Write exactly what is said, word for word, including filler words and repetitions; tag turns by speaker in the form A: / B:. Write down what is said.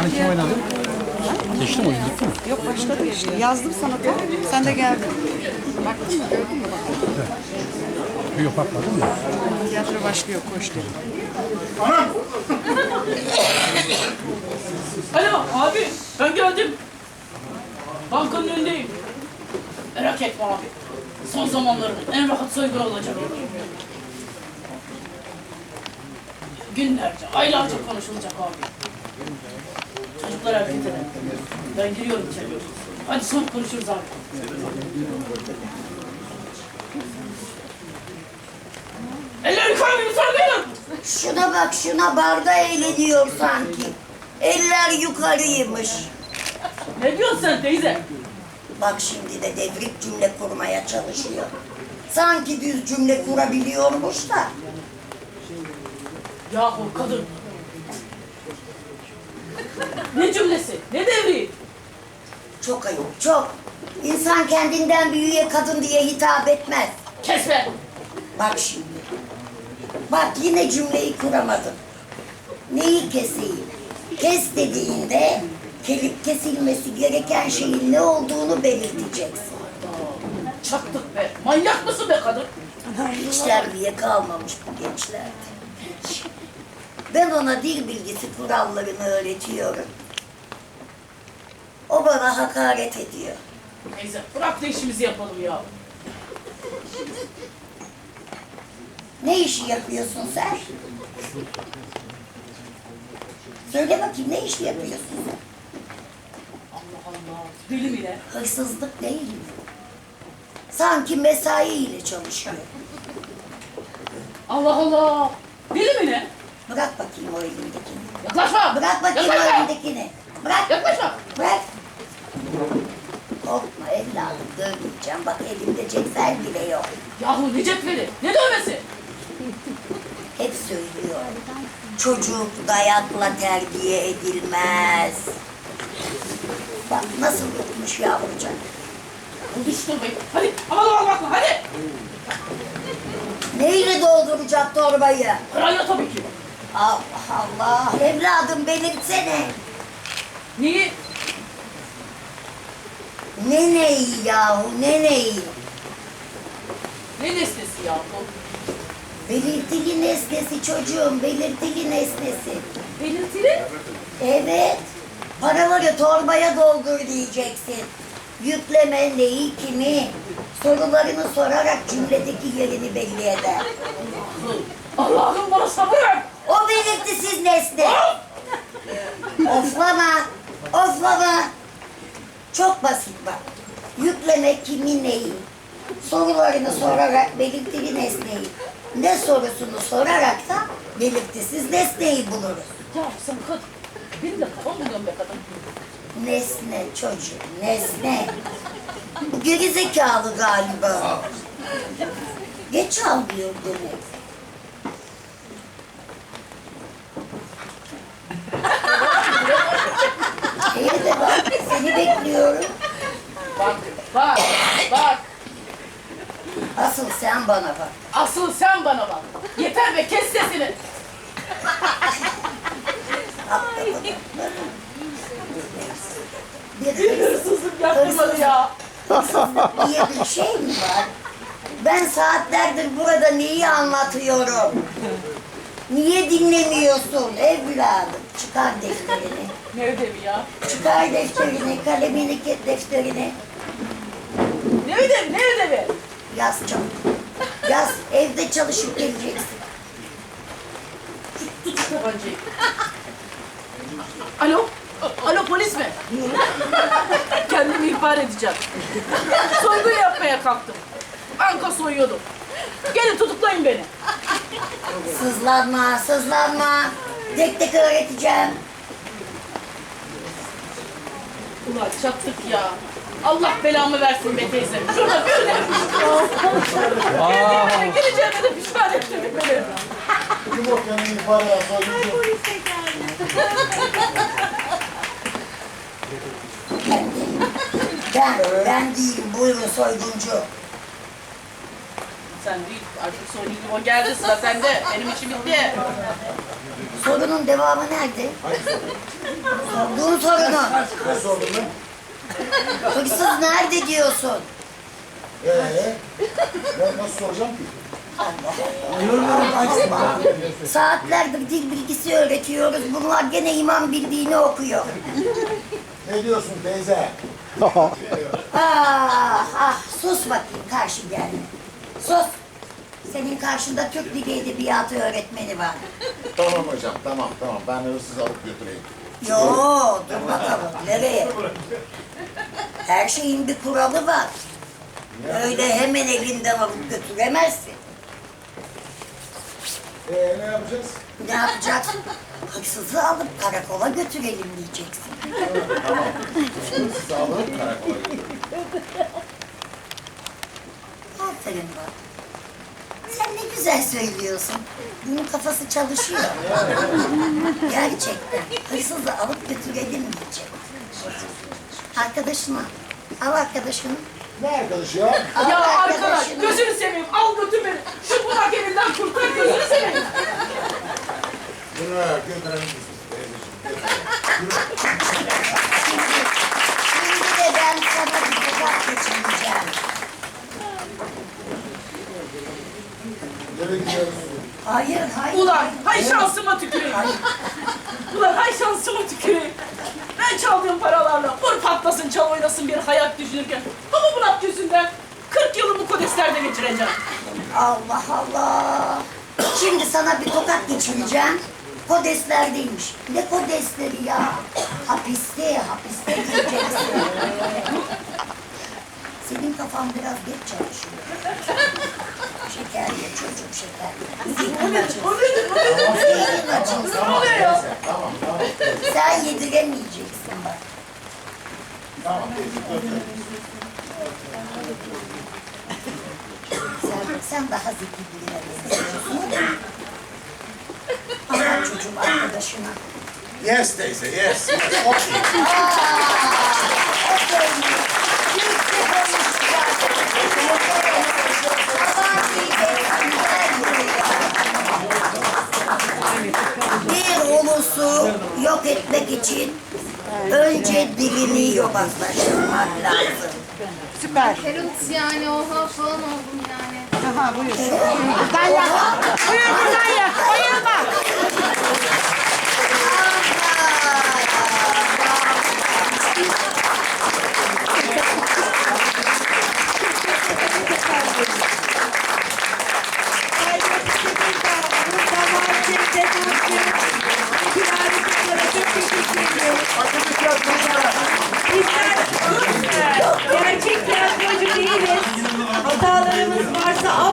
A: Hani kim oynadı? Geçti mi oyun? Bitti mi?
B: Yok başladı işte. Yazdım sana da. Sen de geldin. Baktın mı? Gördün mü? Bakalım.
A: Yok bakmadım mı?
B: Tiyatro başlıyor. Koş dedim.
C: Alo abi ben geldim. Bankanın önündeyim. Merak etme abi. Son zamanların en rahat soygunu olacak. Günlerce, aylarca konuşulacak abi. Çocuklar hareket edin. Ben giriyorum içeri. Hadi sonra konuşuruz abi. Elleri yukarı yukarı gelin.
D: Şuna bak şuna, barda eğleniyor sanki. Eller yukarıymış.
C: Ne diyorsun sen teyze?
D: Bak şimdi de devrik cümle kurmaya çalışıyor. Sanki düz cümle kurabiliyormuş da.
C: Yahu kadın. Ne cümlesi, ne devri?
D: Çok ayıp, çok. İnsan kendinden büyüğe kadın diye hitap etmez.
C: Kes be.
D: Bak şimdi. Bak yine cümleyi kuramadın. Neyi keseyim? Kes dediğinde kelip kesilmesi gereken şeyin ne olduğunu belirteceksin.
C: Çaktık be. Manyak mısın be kadın?
D: Hiç terbiye kalmamış bu gençlerde. Ben ona dil bilgisi kurallarını öğretiyorum. O bana hakaret ediyor.
C: Neyse bırak da işimizi yapalım ya.
D: Ne işi yapıyorsun sen? Söyle bakayım, ne işi yapıyorsun sen?
C: Allah Allah. Deli mi ne?
D: Hırsızlık değil mi? Sanki mesai ile çalışıyor.
C: Allah Allah. Deli mi ne?
D: Bırak bakayım o elindekini.
C: Yaklaşma.
D: Bırak bakayım o
C: Yaklaşma.
D: elindekini. Bırak.
C: Yaklaşma.
D: Bırak. Korkma evladım, dövmeyeceğim. Bak elimde cetvel bile yok.
C: Yahu ne cetveli? Ne dövmesi?
D: Hep söylüyor. Çocuk dayakla terbiye edilmez. Bak nasıl yokmuş yavrucak.
C: Konuşturmayın. Hadi aman aman bakma hadi.
D: Neyle dolduracak torbayı?
C: Parayla tabii ki.
D: Allah Allah. Evladım belirtsene.
C: Neyi?
D: Ne neyi yahu, ne neyi?
C: Ne nesnesi ya bu?
D: Belirtili nesnesi çocuğum, belirtili nesnesi.
C: Belirtili?
D: Evet. Paraları torbaya doldur diyeceksin. Yükleme neyi, kimi? Sorularını sorarak cümledeki yerini belli eder.
C: Allah'ım bana sabır ver.
D: O belirtisiz nesne. Oflama, oflama. Çok basit bak. Yükleme kimi neyi? Sorularını sorarak belirtili nesneyi. Ne sorusunu sorarak da belirtisiz nesneyi buluruz.
C: Ya sen kadın. Benim de kafam buluyorum be kadın.
D: Nesne çocuk, nesne. Bu gerizekalı galiba. Geç almıyor demek. İyi de bak, seni bekliyorum.
C: Bak, bak, bak.
D: Asıl sen bana bak.
C: Asıl sen bana bak. Yeter be kes sesini.
D: Bir
C: Bir hırsızlık yaptırmadı ya.
D: diye bir şey mi var? Ben saatlerdir burada neyi anlatıyorum? Niye dinlemiyorsun evladım? Çıkar defterini.
C: Ne ödevi ya?
D: Çıkar defterini, kalemini, defterini.
C: Ne ödevi, ne ödevi?
D: Yaz çabuk. Yaz, evde çalışıp geleceksin.
C: Tut şu tabancayı. Alo? Alo polis mi? Kendimi ihbar edeceğim. Soygun yapmaya kalktım. Banka soyuyordum. Gelin tutuklayın beni.
D: Sızlanma, sızlanma. Tek tek öğreteceğim.
C: Ulan çattık ya. Allah belamı versin be teyze. Şurada bir de. Girdiğime de gireceğime de pişman ettirdik beni.
E: Yumurtanın yukarıya soyunca.
D: Ben, ben değilim. Buyurun soyguncu.
C: Sen değil. Artık Songül o geldi, sıra sende. Benim işim bitti.
D: Sorunun devamı nerede? Sorduğun sorunu.
E: Ne sordun lan?
D: Hırsız nerede diyorsun?
E: Ee, ben nasıl soracağım ki?
D: Saatlerdir dil bilgisi öğretiyoruz. Bunlar gene imam bildiğini okuyor.
E: Ne diyorsun teyze?
D: Ah ah sus bakayım karşı gelme. Sus. Senin karşında Türk Dili Edebiyatı öğretmeni var.
E: Tamam hocam, tamam tamam. Ben hırsız alıp götüreyim.
D: Yo dur bakalım nereye? Her şeyin bir kuralı var. Öyle hemen elinden alıp götüremezsin.
E: Ee, ne yapacağız?
D: Ne yapacaksın? Hırsızı alıp karakola götürelim diyeceksin.
E: Tamam. Hırsızı alıp karakola götüreyim.
D: Aferin bak. Sen ne güzel söylüyorsun. Bunun kafası çalışıyor. Gerçekten. Hırsızı alıp götürelim diyecek. Arkadaşına. Al arkadaşını.
E: Ne arkadaş ya?
D: Al
C: Ya arkadaş,
D: arkadaşını.
C: gözünü seveyim. Al götür beni. Şu bunak elinden kurtar, gözünü seveyim.
E: Bunu götürelim misin teyzeciğim?
D: Şimdi de ben sana bir tokat geçireceğim.
E: Nereye gidiyoruz?
D: Hayır, hayır.
C: Ulan, hay şansıma tüküreyim. Ulan hay şansıma tüküreyim. Ben çaldığım paralarla vur patlasın, çal oynasın bir hayat düşünürken. Ama bunak yüzünden kırk yılımı kodeslerde geçireceğim.
D: Allah Allah. Şimdi sana bir tokat geçireceğim. Kodeslerdeymiş. Ne kodesleri ya? Hapiste, hapiste diyeceksin. Senin kafan biraz geç çalışıyor. Şeker ye çocuğum şeker. Zihnin açılsın.
C: O nedir, o nedir?
D: Zihnin açılsın.
C: Ne oluyor ya?
E: Tamam tamam.
D: Sen yediremeyeceksin bak.
E: Tamam teyze götürelim.
D: Sen, sen daha zeki birine benziyorsun. Anlat çocuğum arkadaşına.
E: Yes teyze, yes. yes. Okay.
D: Bir ulusu yok etmek için önce dilini yobazlaştırmak lazım.
B: Süper.
F: Feruts yani oha falan oldum yani.
B: Aha buyur. Buradan yak. Buyur buradan yak. Bayılma.
G: Gerçek tiyatrocu değiliz. Hatalarımız varsa